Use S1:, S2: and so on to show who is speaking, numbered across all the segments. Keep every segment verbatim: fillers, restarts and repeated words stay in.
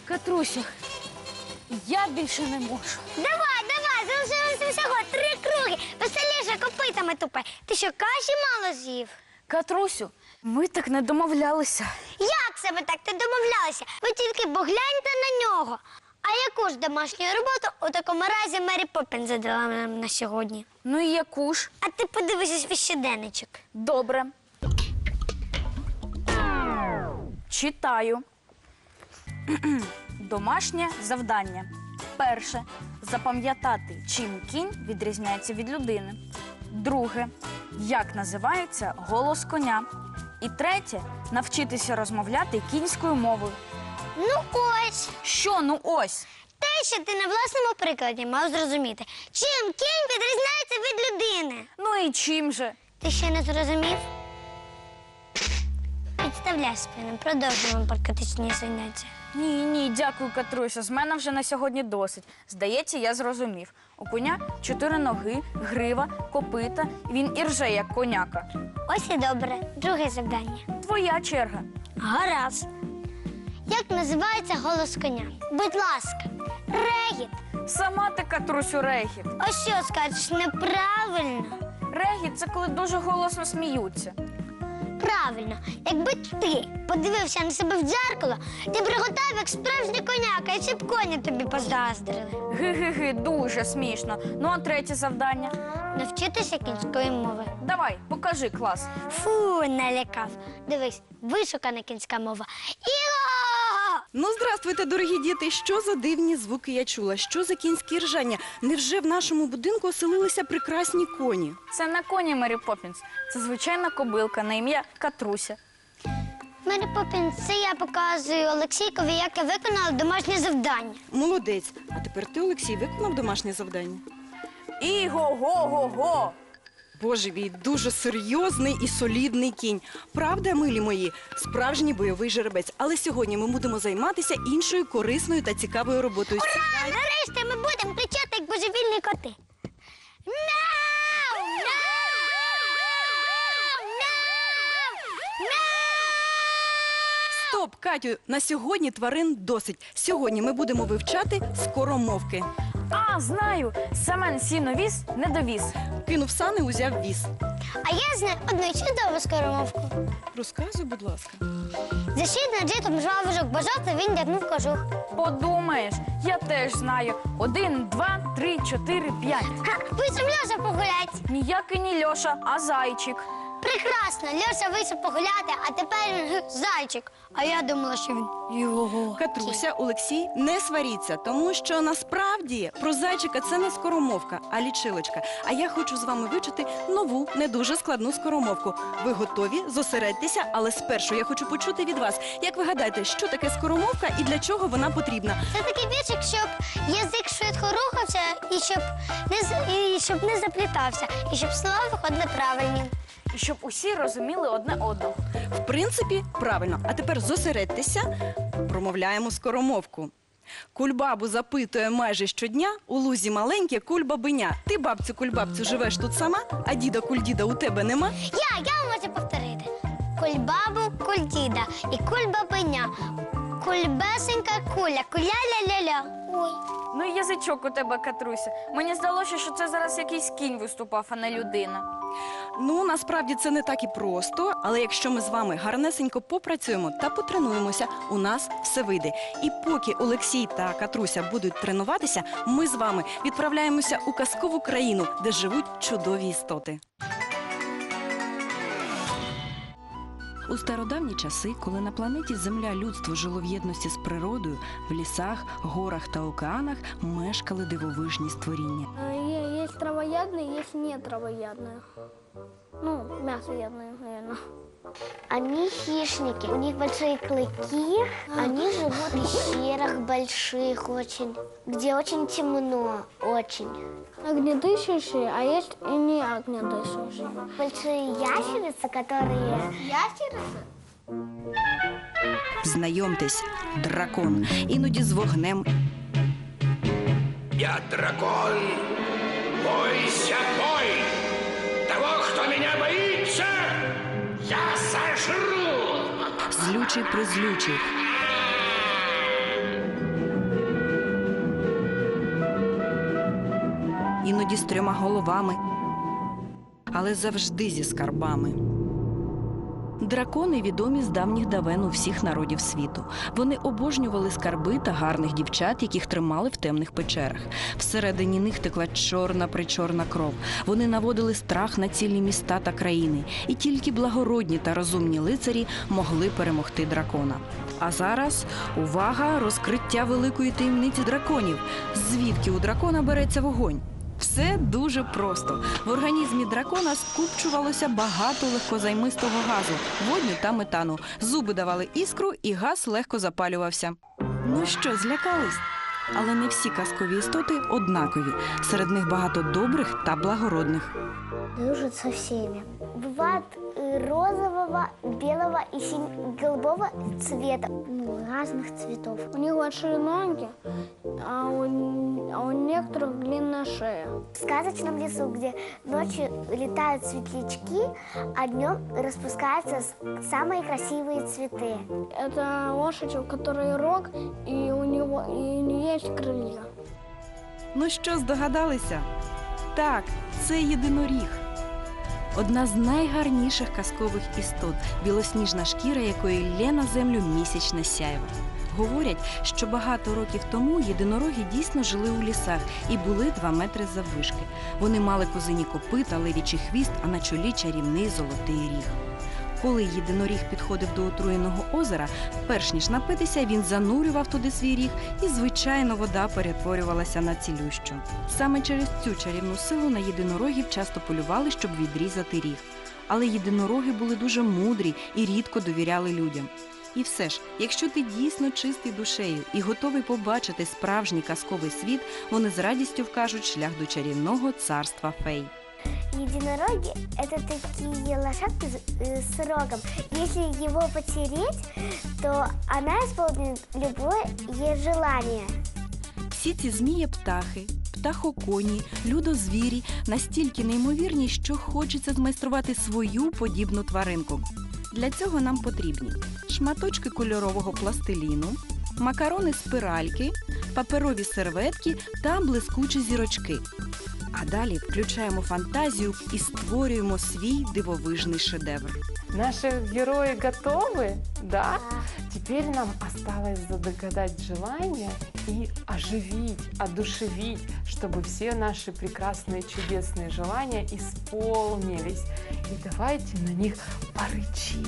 S1: Катрусю, я більше не можу.
S2: Давай, давай, залишилося всього три круги. Веселіше копитами тупай. Ти що, каші мало з'їв?
S1: Катрусю, ми так не домовлялися.
S2: Як себе так ти домовлялися? Ви тільки погляньте на нього. А яку ж домашню роботу у такому разі Мері Поппінс задала нам на сьогодні?
S1: Ну і яку ж?
S2: А ти подивися свій щоденничок.
S1: Добре. Читаю. Домашнє завдання. Перше. Запам'ятати, чим кінь відрізняється від людини. Друге. Як називається голос коня. І третє. Навчитися розмовляти кінською мовою.
S2: Ну ось.
S1: Що, ну ось?
S2: Те, що ти на власному прикладі мав зрозуміти. Чим кінь відрізняється від людини?
S1: Ну і чим же?
S2: Ти ще не зрозумів? Підставляй спину, продовжуємо практичні заняття.
S1: Ні, ні, дякую, Катруся. З мене вже на сьогодні досить. Здається, я зрозумів. У коня чотири ноги, грива, копита. Він і рже, як коняка.
S2: Ось і добре. Друге завдання.
S1: Твоя черга.
S2: Гаразд. Як називається голос коня? Будь ласка, регіт.
S1: Сама ти, Катрусю, регіт.
S2: А що скажеш, неправильно?
S1: Регіт – це коли дуже голосно сміються.
S2: Правильно. Якби ти подивився на себе в дзеркало, ти б реготав, як справжній коняка, і ці б коні тобі позаздрили.
S1: Ги-ги-ги, дуже смішно. Ну, а третє завдання?
S2: Навчитися кінської мови.
S1: Давай, покажи клас.
S2: Фу, налякав. Дивись, вишукана кінська мова. Іго!
S3: Ну, здравствуйте, дорогі діти. Що за дивні звуки я чула? Що за кінські ржання? Невже в нашому будинку оселилися прекрасні коні?
S1: Це не коні Мері Поппінс. Це звичайна кобилка на ім'я Катруся.
S2: Мері Поппінс, це я показую Олексійкові, як я виконала домашнє завдання.
S3: Молодець. А тепер ти, Олексій, виконав домашнє завдання?
S1: Іго-го-го-го!
S3: Боже мій, дуже серйозний і солідний кінь. Правда, милі мої? Справжній бойовий жеребець. Але сьогодні ми будемо займатися іншою корисною та цікавою роботою.
S2: Ура! Нарешті ми будемо кричати, як божевільні коти. Мяу! Мяу! Мяу!
S3: Стоп, Катю, на сьогодні тварин досить. Сьогодні ми будемо вивчати скоромовки.
S1: А, знаю! Семен сіно віз, не довіз.
S3: Кинув сани, узяв віз.
S2: А я знаю одну чудову скоромовку.
S3: Розказуй, будь ласка.
S2: За щит над житом жвавожок бажав, та він дягнув кожух.
S1: Подумаєш, я теж знаю. Один, два, три, чотири, п'ять.
S2: Ха, вийшов Льоша погулять.
S1: Ніякий не Льоша, а зайчик.
S2: Прекрасно, Льоша вийшов погуляти, а тепер він зайчик. А я думала, що він його.
S3: Катруся, Олексій, не сваріться, тому що насправді про зайчика це не скоромовка, а лічилочка. А я хочу з вами вивчити нову, не дуже складну скоромовку. Ви готові? Зосередьтеся, але спершу я хочу почути від вас. Як ви гадаєте, що таке скоромовка і для чого вона потрібна?
S2: Це такий віршик, щоб язик швидко рухався і щоб не, з- і щоб не заплітався, і щоб слова виходили правильні.
S1: І щоб усі розуміли одне одного.
S3: В принципі, правильно. А тепер зосередьтеся, промовляємо скоромовку. Кульбабу запитує майже щодня, у лузі маленьке кульбабиня. Ти, бабцю, кульбабцю, живеш тут сама, а діда кульдіда у тебе нема?
S2: Я, я можу повторити. Кульбабу, кульдіда і кульбабиня. Кульбесенька куля, куля-ля-ля-ля. Ой.
S1: Ну і язичок у тебе, Катруся. Мені здалося, що це зараз якийсь кінь виступав, а не людина.
S3: Ну, насправді це не так і просто, але якщо ми з вами гарнесенько попрацюємо та потренуємося, у нас все вийде. І поки Олексій та Катруся будуть тренуватися, ми з вами відправляємося у казкову країну, де живуть чудові істоти. У стародавні часи, коли на планеті Земля людство жило в єдності з природою, в лісах, горах та океанах мешкали дивовижні створіння.
S4: Есть травоядные, есть не травоядные. Ну, мясоядные, наверное.
S2: Они хищники, у них большие клыки, они живут в пещерах больших очень, где очень темно, очень.
S4: Огнедышащие, а есть и не огнедышащие.
S2: Большие ящерицы, которые...
S4: Ящерицы?
S3: Знайомтесь, дракон, іноді з вогнем.
S5: Я дракон. Бойся, бой! Того, кто меня боится, я сожру!
S3: Злючий призлючий. іноді з трьома головами, але завжди зі скарбами. Дракони відомі з давніх давен у всіх народів світу. Вони обожнювали скарби та гарних дівчат, яких тримали в темних печерах. Всередині них текла чорна-причорна кров. Вони наводили страх на цілі міста та країни. І тільки благородні та розумні лицарі могли перемогти дракона. А зараз, увага, розкриття великої таємниці драконів. Звідки у дракона береться вогонь? Все дуже просто. В організмі дракона скупчувалося багато легкозаймистого газу, водню та метану. Зуби давали іскру, і газ легко запалювався. Ну що, злякались? Але не всі казкові істоти однакові. Серед них багато добрих та благородних.
S2: Дружит со всеми. Бывает э, розового, белого и синь- голубого цвета. Ну, разных цветов.
S4: У них большие ноги, а у, а у некоторых длинная шея.
S2: В сказочном лесу, где ночью летают светлячки, а днем распускаются с- самые красивые цветы.
S4: Это лошадь, у которой рог, и у, него, и у нее есть крылья.
S3: Ну що, здогадалися? Так, це єдиноріг. Одна з найгарніших казкових істот, білосніжна шкіра якої лє на землю місячне сяйво. Говорять, що багато років тому єдинороги дійсно жили у лісах і були два метри заввишки. Вони мали козині копита, левічий хвіст, а на чолі чарівний золотий ріг. Коли єдиноріг підходив до отруєного озера, перш ніж напитися, він занурював туди свій ріг, і, звичайно, вода перетворювалася на цілющу. Саме через цю чарівну силу на єдинорогів часто полювали, щоб відрізати ріг. Але єдинороги були дуже мудрі і рідко довіряли людям. І все ж, якщо ти дійсно чистий душею і готовий побачити справжній казковий світ, вони з радістю вкажуть шлях до чарівного царства фей.
S2: Единороги – это такие лошадки с- э, с рогом. Если его потереть, то она исполнит любое ей желание.
S3: Всі ці змії-птахи, птахоконі, людозвірі настільки неймовірні, що хочеться змайструвати свою подібну тваринку. Для цього нам потрібні шматочки кольорового пластиліну, макарони-спиральки, паперові серветки та блискучі зірочки. А далі включаємо фантазію і створюємо свій дивовижний шедевр.
S6: Наши герои готовы? Да? Теперь нам осталось загадать желание и оживить, одушевить, чтобы все наши прекрасные, чудесные желания исполнились. И давайте на них порычим.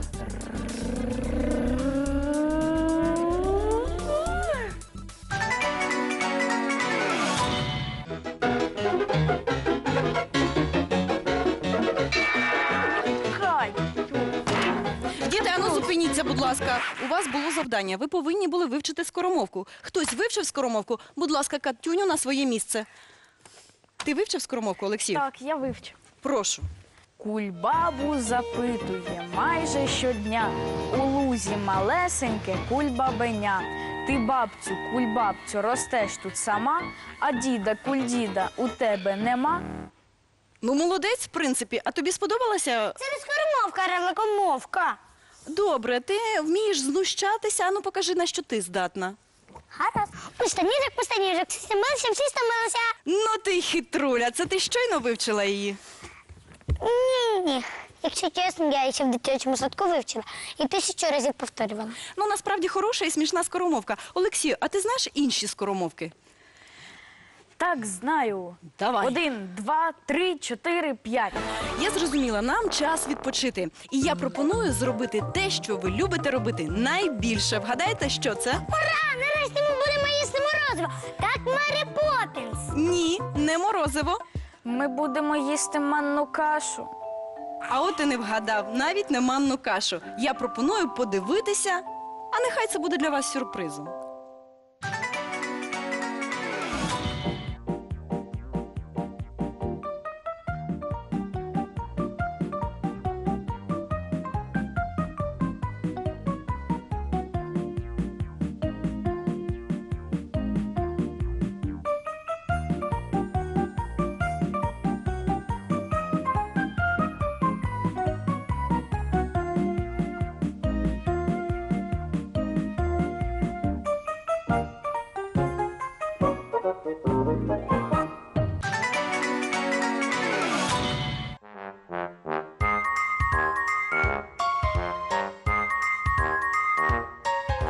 S3: Діти, ану зупиніться, будь ласка. У вас було завдання. Ви повинні були вивчити скоромовку. Хтось вивчив скоромовку? Будь ласка, Катюню на своє місце. Ти вивчив скоромовку, Олексій?
S1: Так, я вивчу.
S3: Прошу.
S1: Кульбабу запитує майже щодня. У лузі малесеньке кульбабеня. Ти, бабцю, кульбабцю, ростеш тут сама, а діда, кульдіда у тебе нема.
S3: Ну, молодець, в принципі. А тобі сподобалося?
S2: Это не скоромовка, а равнокомовка.
S3: Добре, ти вмієш знущатися, ану покажи, на що ти здатна.
S2: Гаразд. Пустаніжок, пустаніжок, всі стомилися, всі стомилися.
S3: Ну ти хитруля, це ти щойно вивчила її?
S2: Ні-ні. Якщо чесно, я ще в дитячому садку вивчила і тисячу разів повторювала.
S3: Ну, насправді хороша і смішна скоромовка. Олексію, а ти знаєш інші скоромовки?
S1: Так, знаю.
S3: Давай.
S1: Один, два, три, чотири, п'ять.
S3: Я зрозуміла, нам час відпочити. І я пропоную зробити те, що ви любите робити найбільше. Вгадайте, що це?
S2: Ура! Нарешті ми будемо їсти морозиво. Так, Мері Поппінс.
S3: Ні, не морозиво.
S1: Ми будемо їсти манну кашу.
S3: А от і не вгадав, навіть не манну кашу. Я пропоную подивитися, а нехай це буде для вас сюрпризом.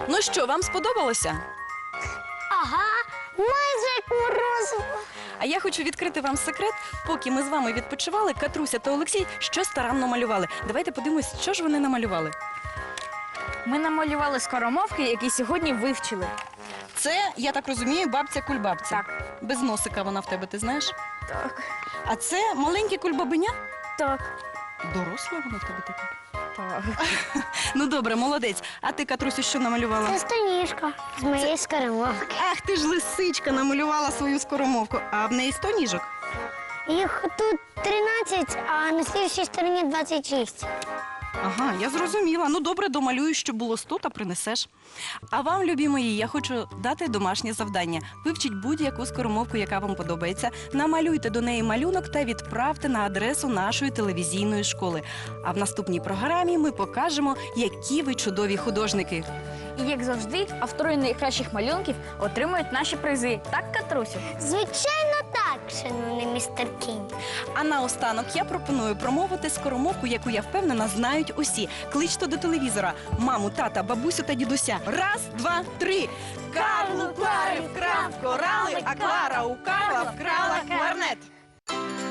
S3: Ну що, вам сподобалося?
S2: Ага, майже як морозиво.
S3: А я хочу відкрити вам секрет. Поки ми з вами відпочивали, Катруся та Олексій щось старанно малювали. Давайте подивимось, що ж вони намалювали.
S1: Ми намалювали скоромовки, які сьогодні вивчили.
S3: Це, я так розумію, бабця кульбабця.
S1: Так.
S3: Без носика вона в тебе, ти знаєш?
S1: Так.
S3: А це маленьке кульбабеня?
S1: Так.
S3: Доросла вона в тебе така?
S1: Так.
S3: Ну добре, молодець. А ти, Катрусю, що намалювала?
S2: Це станішка з моєї скоромовки.
S3: Ах, ти ж лисичка намалювала свою скоромовку. А в неї сто ніжок?
S2: Їх тут тринадцять, а на слідчій стороні двадцять шість.
S3: Ага, я зрозуміла. Ну добре, домалюю, щоб було сто, та принесеш. А вам, любі мої, я хочу дати домашнє завдання. Вивчіть будь-яку скоромовку, яка вам подобається. Намалюйте до неї малюнок та відправте на адресу нашої телевізійної школи. А в наступній програмі ми покажемо, які ви чудові художники.
S1: І як завжди, автори найкращих малюнків отримують наші призи. Так, Катрусю?
S2: Звичайно так, шановний містер Кінь.
S3: А наостанок я пропоную промовити скоромовку, яку я впевнена знають усі. Кличте до телевізора маму, тата, бабусю та дідуся. Раз, два, три. Карл у Клари вкрав корали, а Клара у Карла вкрала кларнет.